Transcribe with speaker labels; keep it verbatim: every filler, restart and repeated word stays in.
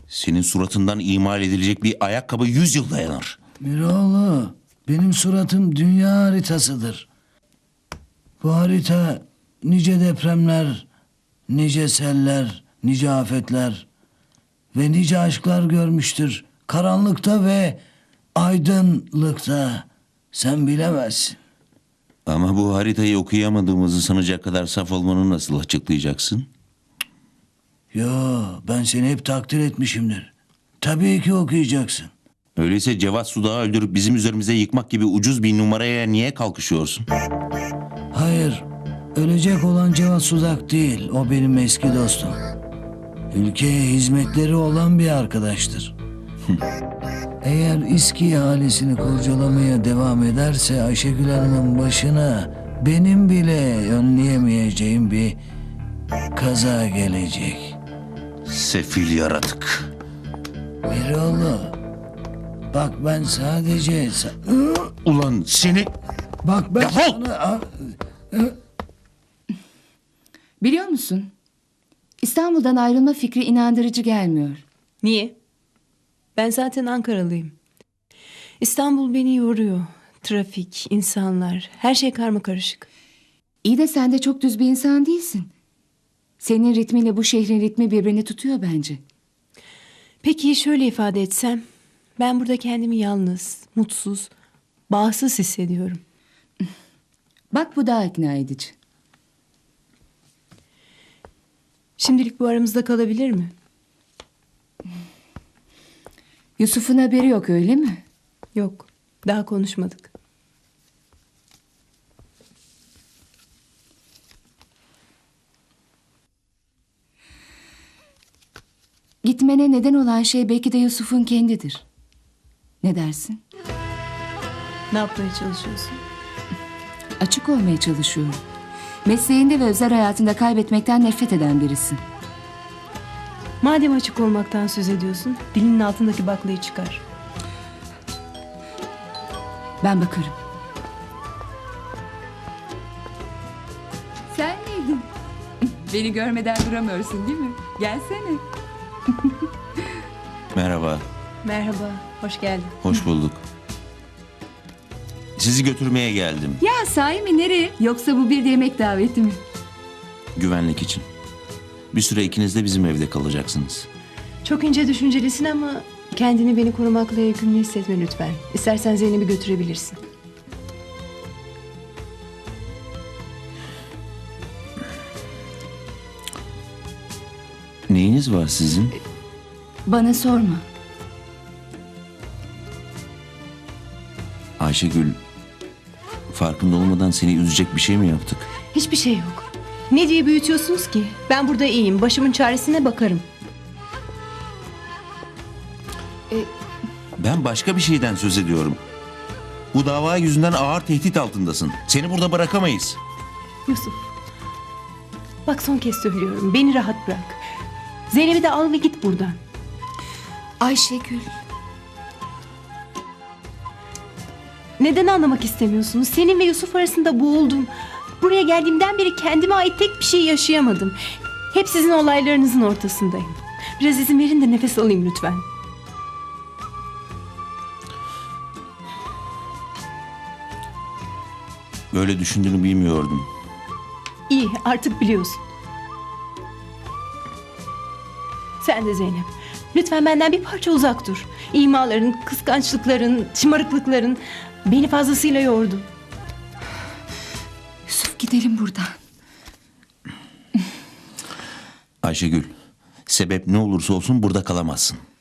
Speaker 1: Senin suratından imal edilecek bir ayakkabı yüz yıl dayanır.
Speaker 2: Miroğlu, benim suratım dünya haritasıdır. Bu harita nice depremler, nice seller, nice afetler ve nice aşklar görmüştür. Karanlıkta ve aydınlıkta. Sen bilemezsin.
Speaker 1: Ama bu haritayı okuyamadığımızı sanacak kadar saf olmanı nasıl açıklayacaksın?
Speaker 2: Yo, ben seni hep takdir etmişimdir. Tabii ki okuyacaksın.
Speaker 1: Öyleyse Cevat Sudak'ı öldürüp bizim üzerimize yıkmak gibi ucuz bir numaraya niye kalkışıyorsun?
Speaker 2: Hayır, ölecek olan Cevat Sudak değil. O benim eski dostum. Ülkeye hizmetleri olan bir arkadaştır. Eğer İSKİ ihalesini kurcalamaya devam ederse Ayşegül Hanım'ın başına benim bile önleyemeyeceğim bir kaza gelecek.
Speaker 1: Sefil yaratık.
Speaker 2: Miroğlu, bak ben sadece... sa-
Speaker 1: Ulan seni...
Speaker 2: Bak ben
Speaker 1: Defol!
Speaker 2: sana...
Speaker 3: Biliyor musun? İstanbul'dan ayrılma fikri inandırıcı gelmiyor.
Speaker 4: Niye? Ben zaten Ankaralıyım. İstanbul beni yoruyor. Trafik, insanlar, her şey karmakarışık.
Speaker 3: İyi de sen de çok düz bir insan değilsin. Senin ritmiyle bu şehrin ritmi birbirini tutuyor bence.
Speaker 4: Peki şöyle ifade etsem, ben burada kendimi yalnız, mutsuz, bağımsız hissediyorum.
Speaker 3: Bak bu daha ikna edici.
Speaker 4: Şimdilik bu aramızda kalabilir mi?
Speaker 3: Yusuf'un haberi yok öyle mi?
Speaker 4: Yok, daha konuşmadık.
Speaker 3: Gitmene neden olan şey belki de Yusuf'un kendidir. Ne dersin?
Speaker 4: Ne yapmaya çalışıyorsun?
Speaker 3: Açık olmaya çalışıyorum. Mesleğinde ve özel hayatında kaybetmekten nefret eden birisin.
Speaker 4: Madem açık olmaktan söz ediyorsun, dilinin altındaki baklayı çıkar.
Speaker 3: Ben bakarım. Sen miydin? Beni görmeden duramıyorsun değil mi? Gelsene.
Speaker 1: Merhaba,
Speaker 4: Merhaba, hoş geldin.
Speaker 1: hoş bulduk. Sizi götürmeye geldim.
Speaker 3: Ya sahi mi, nereye? Yoksa bu bir yemek daveti mi?
Speaker 1: Güvenlik için. Bir süre ikiniz de bizim evde kalacaksınız.
Speaker 4: Çok ince düşüncelisin ama kendini beni korumakla yükümlü hissetme lütfen. İstersen Zeynep'i götürebilirsin.
Speaker 1: Neyiniz var sizin?
Speaker 3: Bana sorma.
Speaker 1: Ayşegül, farkında olmadan seni üzecek bir şey mi yaptık?
Speaker 4: Hiçbir şey yok. Ne diye büyütüyorsunuz ki? Ben burada iyiyim. Başımın çaresine bakarım.
Speaker 1: Ben başka bir şeyden söz ediyorum. Bu dava yüzünden ağır tehdit altındasın. Seni burada bırakamayız.
Speaker 4: Yusuf. Bak son kez söylüyorum. Beni rahat bırak. Zeynep'i de al ve git buradan.
Speaker 3: Ayşegül.
Speaker 4: Neden anlamak istemiyorsunuz? Senin ve Yusuf arasında boğuldum. Buraya geldiğimden beri kendime ait tek bir şey yaşayamadım. Hep sizin olaylarınızın ortasındayım. Biraz izin verin de nefes alayım lütfen.
Speaker 1: Böyle düşündüğünü bilmiyordum.
Speaker 4: İyi, artık biliyorsun. Sen de Zeynep. Lütfen benden bir parça uzak dur. İmaların, kıskançlıkların, şımarıklıkların beni fazlasıyla yordu.
Speaker 3: Yusuf, gidelim buradan.
Speaker 1: Ayşegül, sebep ne olursa olsun burada kalamazsın.